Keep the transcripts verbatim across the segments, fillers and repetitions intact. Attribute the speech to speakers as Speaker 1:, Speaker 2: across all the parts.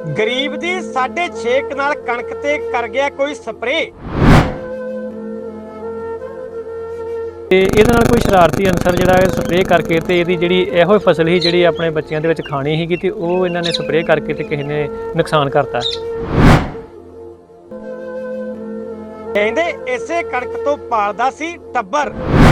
Speaker 1: गरीब दी साढ़े छे कनाल कणक ते कर गया कोई स्प्रे।
Speaker 2: ਤੇ ਇਹਦੇ ਨਾਲ ਕੋਈ ਸ਼ਰਾਰਤੀ ਅਨਸਰ ਜਿਹੜਾ ਹੈ ਸਪਰੇਅ ਕਰਕੇ ਤੇ ਇਹਦੀ ਜਿਹੜੀ ਇਹੋ ਫਸਲ ਹੀ ਜਿਹੜੀ ਆਪਣੇ ਬੱਚਿਆਂ ਦੇ ਵਿੱਚ ਖਾਣੀ ਸੀਗੀ ਤੇ ਉਹ ਇਹਨਾਂ ਨੇ ਸਪਰੇਅ ਕਰਕੇ ਤੇ ਕਿਸੇ ਨੇ ਨੁਕਸਾਨ ਕਰਤਾ।
Speaker 1: ਕਹਿੰਦੇ ਇਸੇ ਕਣਕ ਤੋਂ ਪਾਲਦਾ ਸੀ ਟੱਬਰ।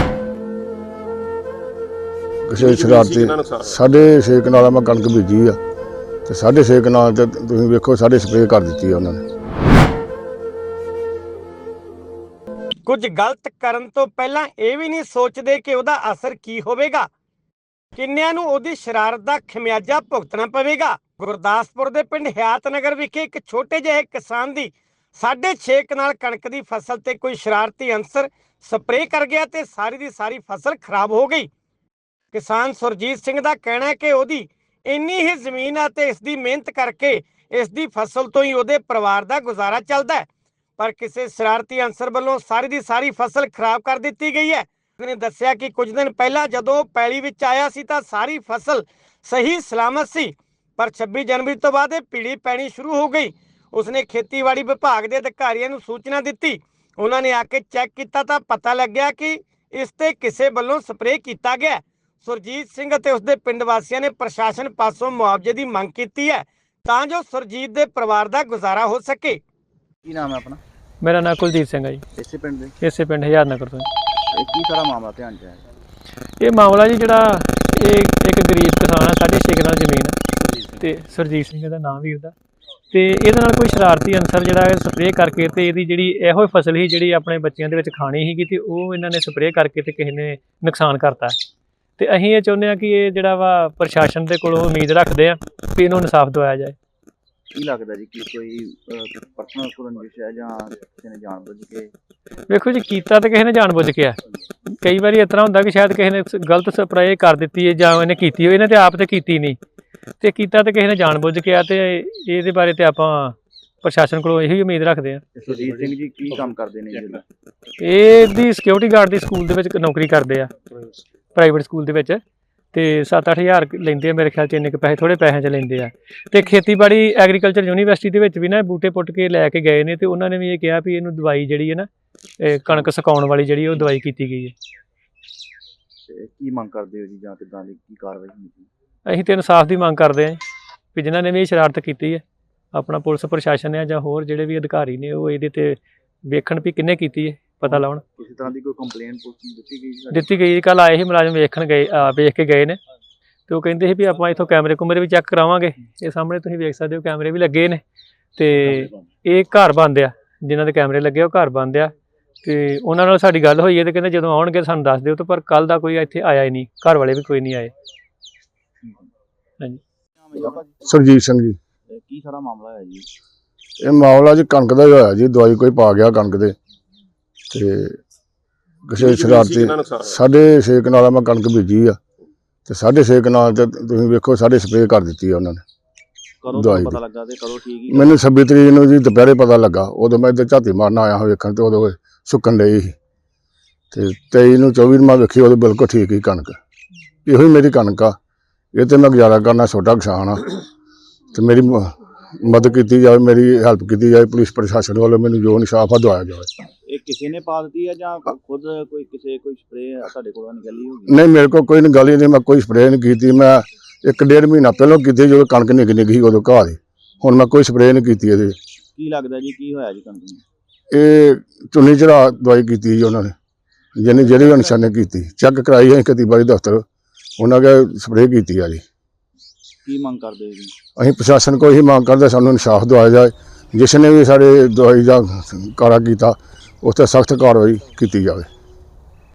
Speaker 3: ਕਿਸੇ ਸ਼ਰਾਰਤੀ ਸਾਢੇ ਛੇ ਕਨਾਲਾਂ ਮੈਂ ਕਣਕ ਬੀਜੀ ਆ ਤੇ ਸਾਢੇ ਛੇ ਕਨਾਲ ਤੇ ਤੁਸੀਂ ਵੇਖੋ ਸਾਡੇ ਸਪਰੇਅ ਕਰ ਦਿੱਤੀ ਆ ਉਹਨਾਂ ਨੇ।
Speaker 1: ਕੁਝ ਗਲਤ ਕਰਨ ਤੋਂ ਪਹਿਲਾਂ ਇਹ ਵੀ ਨਹੀਂ ਸੋਚਦੇ ਕਿ ਉਹਦਾ ਅਸਰ ਕੀ ਹੋਵੇਗਾ, ਕਿੰਨਿਆਂ ਨੂੰ ਉਹਦੀ ਸ਼ਰਾਰਤ ਦਾ ਖਮਿਆਜਾ ਭੁਗਤਣਾ ਪਵੇਗਾ। ਗੁਰਦਾਸਪੁਰ ਦੇ ਪਿੰਡ ਹਿਆਤਨਗਰ ਵਿਖੇ ਇੱਕ ਛੋਟੇ ਜਿਹੇ ਕਿਸਾਨ ਦੀ ਸਾਢੇ ਛੇ ਕਨਾਲ ਕਣਕ ਦੀ ਫਸਲ ਤੇ ਕੋਈ ਸ਼ਰਾਰਤੀ ਅਨਸਰ ਸਪਰੇਅ ਕਰ ਗਿਆ ਤੇ ਸਾਰੀ ਦੀ ਸਾਰੀ ਫਸਲ ਖਰਾਬ ਹੋ ਗਈ। ਕਿਸਾਨ ਸੁਰਜੀਤ ਸਿੰਘ ਦਾ ਕਹਿਣਾ ਹੈ ਕਿ ਉਹਦੀ ਇੰਨੀ ਹੀ ਜ਼ਮੀਨ ਆ ਤੇ ਇਸ ਦੀ ਮਿਹਨਤ ਕਰਕੇ ਇਸ ਦੀ ਫਸਲ ਤੋਂ ਹੀ ਉਹਦੇ ਪਰਿਵਾਰ ਦਾ ਗੁਜ਼ਾਰਾ ਚੱਲਦਾ ਹੈ, ਪਰ ਕਿਸੇ ਸ਼ਰਾਰਤੀ ਅਨਸਰ ਵੱਲੋਂ ਸਾਰੀ ਦੀ ਸਾਰੀ ਫਸਲ ਖਰਾਬ ਕਰ ਦਿੱਤੀ ਗਈ ਹੈ। ਉਸਨੇ ਦੱਸਿਆ ਕਿ ਕੁਝ ਦਿਨ ਪਹਿਲਾਂ ਜਦੋਂ ਪੈਲੀ ਵਿੱਚ ਆਇਆ ਸੀ ਤਾਂ ਸਾਰੀ ਫਸਲ ਸਹੀ ਸਲਾਮਤ ਸੀ, ਪਰ ਛੱਬੀ ਜਨਵਰੀ ਤੋਂ ਬਾਅਦ ਇਹ ਪੀਲੀ ਪੈਣੀ ਸ਼ੁਰੂ ਹੋ ਗਈ। ਉਸਨੇ ਖੇਤੀਬਾੜੀ ਵਿਭਾਗ ਦੇ ਅਧਿਕਾਰੀਆਂ ਨੂੰ ਸੂਚਨਾ ਦਿੱਤੀ। ਉਹਨਾਂ ਨੇ ਆ ਕੇ ਚੈੱਕ ਕੀਤਾ ਤਾਂ ਪਤਾ ਲੱਗਿਆ ਕਿ ਇਸ ਤੇ ਕਿਸੇ ਵੱਲੋਂ ਸਪਰੇਅ ਕੀਤਾ ਗਿਆ। ਸੁਰਜੀਤ ਸਿੰਘ ਅਤੇ ਉਸਦੇ ਪਿੰਡ ਵਾਸੀਆਂ ਨੇ ਪ੍ਰਸ਼ਾਸਨ ਪਾਸੋਂ ਮੁਆਵਜ਼ੇ ਦੀ ਮੰਗ ਕੀਤੀ ਹੈ ਤਾਂ ਜੋ ਸੁਰਜੀਤ ਦੇ ਪਰਿਵਾਰ ਦਾ ਗੁਜ਼ਾਰਾ ਹੋ ਸਕੇ।
Speaker 4: ਕੀ ਨਾਮ ਹੈ ਆਪਣਾ?
Speaker 2: ਮੇਰਾ ਨਾਮ ਕੁਲਦੀਪ ਸਿੰਘ ਹੈ ਜੀ,
Speaker 4: ਇਸੇ ਪਿੰਡ ਦੇ?
Speaker 2: ਇਸੇ ਪਿੰਡ ਹਿਆਤਨਗਰ ਤੋਂ।
Speaker 4: ਇਹ ਕੀ ਸਾਰਾ ਮਾਮਲਾ ਧਿਆਨ 'ਚ ਹੈ?
Speaker 2: ਇਹ ਮਾਮਲਾ ਜੀ ਜਿਹੜਾ ਇਹ ਇੱਕ ਗਰੀਬ ਕਿਸਾਨ ਆ, ਸਾਢੇ ਛੇ ਕਨਾਲ ਜ਼ਮੀਨ ਆ ਤੇ ਸੁਰਜੀਤ ਸਿੰਘ ਦਾ ਨਾਮ ਵੀਰ ਦਾ, ਤੇ ਇਹਦੇ ਨਾਲ ਕੋਈ ਸ਼ਰਾਰਤੀ ਅਨਸਰ ਜਿਹੜਾ ਹੈ ਸਪਰੇਅ ਕਰਕੇ ਤੇ ਇਹਦੀ ਜਿਹੜੀ ਇਹੋ ਫਸਲ ਹੀ ਜਿਹੜੀ ਆਪਣੇ ਬੱਚਿਆਂ ਦੇ ਵਿੱਚ ਖਾਣੀ ਸੀਗੀ ਤੇ ਉਹ ਇਹਨਾਂ ਨੇ ਸਪਰੇਅ ਕਰਕੇ ਤੇ ਕਿਸੇ ਨੇ ਨੁਕਸਾਨ ਕਰਤਾ। ਤੇ ਅਸੀਂ ਇਹ ਚਾਹੁੰਦੇ ਹਾਂ ਕਿ ਇਹ ਜਿਹੜਾ ਵਾ ਪ੍ਰਸ਼ਾਸਨ ਦੇ ਕੋਲੋਂ ਉਮੀਦ ਰੱਖਦੇ ਆ ਕਿ ਇਹਨੂੰ ਇਨਸਾਫ ਦਿਵਾਇਆ ਜਾਏ।
Speaker 4: ਕੀ ਲੱਗਦਾ ਜੀ ਕਿ ਕੋਈ ਪਰਸਨਲ ਰੰਜਿਸ਼ ਹੈ ਜਾਂ ਕਿਸੇ ਨੇ ਜਾਣਬੁੱਝ ਕੇ?
Speaker 2: ਵੇਖੋ ਜੀ, ਕੀਤਾ ਤਾਂ ਕਿਸੇ ਨੇ ਜਾਣਬੁੱਝ ਕੇ ਆ। ਕਈ ਵਾਰੀ ਇਸ ਤਰ੍ਹਾਂ ਹੁੰਦਾ ਕਿ ਸ਼ਾਇਦ ਕਿਸੇ ਨੇ ਗਲਤ ਸਪਰੇਅ ਕਰ ਦਿੱਤੀ ਹੈ ਜਾਂ ਇਹਨੇ ਕੀਤੀ ਹੋਈ, ਇਹਨੇ ਤੇ ਆਪ ਤੇ ਕੀਤੀ ਨਹੀਂ, ਤੇ ਕੀਤਾ ਤਾਂ ਕਿਸੇ ਨੇ ਜਾਣਬੁੱਝ ਕੇ ਆ। ਤੇ ਇਹਦੇ ਬਾਰੇ ਤੇ ਆਪਾਂ ਪ੍ਰਸ਼ਾਸਨ ਕੋਲੋਂ ਇਹੀ ਉਮੀਦ ਰੱਖਦੇ ਆ।
Speaker 4: ਸੁਰਜੀਤ ਸਿੰਘ ਜੀ ਕੀ ਕੰਮ ਕਰਦੇ ਨੇ ਜੀ?
Speaker 2: ਇਹਦੀ ਸਿਕਿਉਰਿਟੀ ਗਾਰਡ ਦੀ ਸਕੂਲ ਦੇ ਵਿੱਚ ਨੌਕਰੀ ਕਰਦੇ ਆ, ਪ੍ਰਾਈਵੇਟ ਸਕੂਲ ਦੇ ਵਿੱਚ, ਤੇ ਸੱਤ ਅੱਠ ਹਜ਼ਾਰ ਲੈਂਦੇ ਆ ਮੇਰੇ ਖਿਆਲ 'ਚ। ਇੰਨੇ ਕੁ ਪੈਸੇ ਥੋੜ੍ਹੇ ਪੈਸਿਆਂ 'ਚ ਲੈਂਦੇ ਆ। ਤੇ ਖੇਤੀਬਾੜੀ ਐਗਰੀਕਲਚਰ ਯੂਨੀਵਰਸਿਟੀ ਦੇ ਵਿੱਚ ਵੀ ਨਾ ਬੂਟੇ ਪੁੱਟ ਕੇ ਲੈ ਕੇ ਗਏ ਨੇ ਤੇ ਉਹਨਾਂ ਨੇ ਵੀ ਇਹ ਕਿਹਾ ਵੀ ਇਹਨੂੰ ਦਵਾਈ ਜਿਹੜੀ ਹੈ ਨਾ ਕਣਕ ਸੁਕਾਉਣ ਵਾਲੀ ਜਿਹੜੀ ਉਹ ਦਵਾਈ ਕੀਤੀ ਗਈ ਹੈ।
Speaker 4: ਕੀ ਮੰਗ ਕਰਦੇ ਹੋ ਜੀ ਜਾਂ ਕਿੱਦਾਂ ਦੀ ਕੀ ਕਾਰਵਾਈ ਹੁੰਦੀ?
Speaker 2: ਅਸੀਂ ਤਾਂ ਇਨਸਾਫ ਦੀ ਮੰਗ ਕਰਦੇ ਹਾਂ ਵੀ ਜਿਨ੍ਹਾਂ ਨੇ ਵੀ ਇਹ ਸ਼ਰਾਰਤ ਕੀਤੀ ਹੈ, ਆਪਣਾ ਪੁਲਿਸ ਪ੍ਰਸ਼ਾਸਨ ਹੈ ਜਾਂ ਹੋਰ ਜਿਹੜੇ ਵੀ ਅਧਿਕਾਰੀ ਨੇ ਉਹ ਇਹਦੇ ਤੇ ਵੇਖਣ ਵੀ ਕਿੰਨੇ ਕੀਤੀ ਹੈ, ਪਤਾ ਲਾਉਣ।
Speaker 4: ਕਿਸੇ ਤਰ੍ਹਾਂ ਦੀ ਕੋਈ ਕੰਪਲੇਂਟ ਪੁਲਿਸ ਨੂੰ ਦਿੱਤੀ ਗਈ?
Speaker 2: ਦਿੱਤੀ ਗਈ। ਕੱਲ੍ਹ ਆਏ ਸੀ ਮੁਲਾਜ਼ਮ, ਵੇਖਣ ਗਏ, ਵੇਖ ਕੇ ਗਏ ਨੇ ਤੇ ਉਹ ਕਹਿੰਦੇ ਸੀ ਵੀ ਆਪਾਂ ਇੱਥੋਂ ਕੈਮਰੇ ਕੁਮਰੇ ਵੀ ਚੈੱਕ ਕਰਾਵਾਂਗੇ। ਇਹ ਸਾਹਮਣੇ ਤੁਸੀਂ ਵੇਖ ਸਕਦੇ ਹੋ ਕੈਮਰੇ ਵੀ ਲੱਗੇ ਨੇ ਤੇ ਇਹ ਘਰ ਬੰਦ ਆ, ਜਿਨ੍ਹਾਂ ਦੇ ਕੈਮਰੇ ਲੱਗੇ ਉਹ ਘਰ ਬੰਦ ਆ। ਤੇ ਉਹਨਾਂ ਨਾਲ ਸਾਡੀ ਗੱਲ ਹੋਈ ਹੈ ਤੇ ਕਹਿੰਦੇ ਜਦੋਂ ਆਉਣਗੇ ਸਾਨੂੰ ਦੱਸ ਦਿਓ। ਤਾਂ ਪਰ ਕੱਲ੍ਹ ਦਾ ਕੋਈ ਇੱਥੇ ਆਇਆ ਹੀ ਨਹੀਂ, ਘਰ ਵਾਲੇ ਵੀ ਕੋਈ ਨਹੀਂ ਆਏ। ਹਾਂਜੀ,
Speaker 3: ਸੁਰਜੀਤ ਸਿੰਘ ਜੀ।
Speaker 4: ਕੀ ਸਾਰਾ ਮਾਮਲਾ ਹੈ ਜੀ?
Speaker 3: ਇਹ ਮਾਮਲਾ ਜੀ ਕਣਕ ਦਾ ਹੀ ਹੋਇਆ ਜੀ, ਦਵਾਈ ਕੋਈ ਪਾ ਗਿਆ ਕਣਕ ਦੇ ਤੇ ਕਿਸੇ ਸ਼ਰਾਰਤੀ ਸਾਢੇ ਛੇ ਕਨਾਲਾਂ ਮੈਂ ਕਣਕ ਬੀਜੀ ਆ ਤੇ ਸਾਢੇ ਛੇ ਕਨਾਲ ਤੇ ਤੁਸੀਂ ਵੇਖੋ ਸਾਡੇ ਸਪਰੇਅ ਕਰ ਦਿੱਤੀ ਆ ਉਹਨਾਂ ਨੇ।
Speaker 4: ਕਦੋਂ ਪਤਾ ਲੱਗਾ ਤੇ ਕਦੋਂ ਠੀਕ ਹੀ?
Speaker 3: ਮੈਨੂੰ ਛੱਬੀ ਤਰੀਕ ਨੂੰ ਜੀ ਦੁਪਹਿਰੇ ਪਤਾ ਲੱਗਾ। ਉਦੋਂ ਮੈਂ ਇੱਧਰ ਝਾਤੀ ਮਾਰਨ ਆਇਆ ਹਾਂ ਵੇਖਣ ਤੇ ਉਦੋਂ ਸੁੱਕਣ ਡਈ ਸੀ ਤੇ ਤੇਈ ਨੂੰ ਚੌਵੀ ਨੂੰ ਮੈਂ ਵੇਖੀ ਉਦੋਂ ਬਿਲਕੁਲ ਠੀਕ ਹੀ ਕਣਕ। ਇਹੋ ਹੀ ਮੇਰੀ ਕਣਕ ਆ, ਇਹ ਤੇ ਮੈਂ ਗੁਜ਼ਾਰਾ ਕਰਨਾ, ਛੋਟਾ ਕਿਸਾਨ ਆ ਤੇ ਮੇਰੀ ਮਦਦ ਕੀਤੀ ਜਾਵੇ, ਮੇਰੀ ਹੈਲਪ ਕੀਤੀ ਜਾਵੇ। ਪੁਲਿਸ ਪ੍ਰਸ਼ਾਸਨ ਵੱਲੋਂ ਮੈਨੂੰ ਜੋ ਇਨਸਾਫ ਆ ਦਵਾਇਆ ਜਾਵੇ।
Speaker 4: ਇਹ ਕਿਸੇ ਨੇ ਪਾ ਦਿੱਤੀ ਹੈ ਜਾਂ ਖੁਦ ਕੋਈ ਕਿਸੇ ਕੋਈ ਸਪਰੇਅ ਤੁਹਾਡੇ ਕੋਲੋਂ ਨਿਕਲੀ ਹੋਊਗੀ?
Speaker 3: ਨਹੀਂ, ਮੇਰੇ ਕੋਲ ਕੋਈ ਗੱਲ ਹੀ ਨਹੀਂ, ਮੈਂ ਕੋਈ ਸਪਰੇਅ ਨਹੀਂ ਕੀਤੀ। ਮੈਂ ਇੱਕ ਡੇਢ ਮਹੀਨਾ ਪਹਿਲਾਂ ਕੀਤੀ ਜਦੋਂ ਕਣਕ ਨਿੱਘ ਨਿੱਘ ਸੀ ਉਦੋਂ ਘਾਹ ਦੀ। ਹੁਣ ਮੈਂ ਕੋਈ ਸਪਰੇਅ ਨਹੀਂ ਕੀਤੀ ਇਹਦੇ।
Speaker 4: ਕੀ ਲੱਗਦਾ ਜੀ ਕੀ ਹੋਇਆ ਜੀ ਕਣਕ ਨੂੰ?
Speaker 3: ਇਹ ਚੁੰਨੀ ਚੜਾ ਦਵਾਈ ਕੀਤੀ ਜੀ ਉਹਨਾਂ ਨੇ, ਜਿਹਨੇ ਜਿਹੜੇ ਅਨਸਰ ਨੇ ਕੀਤੀ। ਚੈੱਕ ਕਰਾਈ ਹੈ ਖੇਤੀਬਾੜੀ ਦਫ਼ਤਰ, ਉਹਨਾਂ ਕੇ ਸਪਰੇਅ ਕੀਤੀ ਆ ਜੀ।
Speaker 4: ਕੀ ਮੰਗ ਕਰਦੇ ਜੀ?
Speaker 3: ਅਸੀਂ ਪ੍ਰਸ਼ਾਸਨ ਕੋਲ ਇਹੀ ਮੰਗ ਕਰਦੇ ਸਾਨੂੰ ਇਨਸਾਫ ਦਿਵਾਇਆ ਜਾਏ। ਜਿਸ ਨੇ ਵੀ ਸਾਡੇ ਦਵਾਈ ਦਾ ਕਾਰਾ ਕੀਤਾ ਉਸ 'ਤੇ ਸਖਤ ਕਾਰਵਾਈ ਕੀਤੀ ਜਾਵੇ।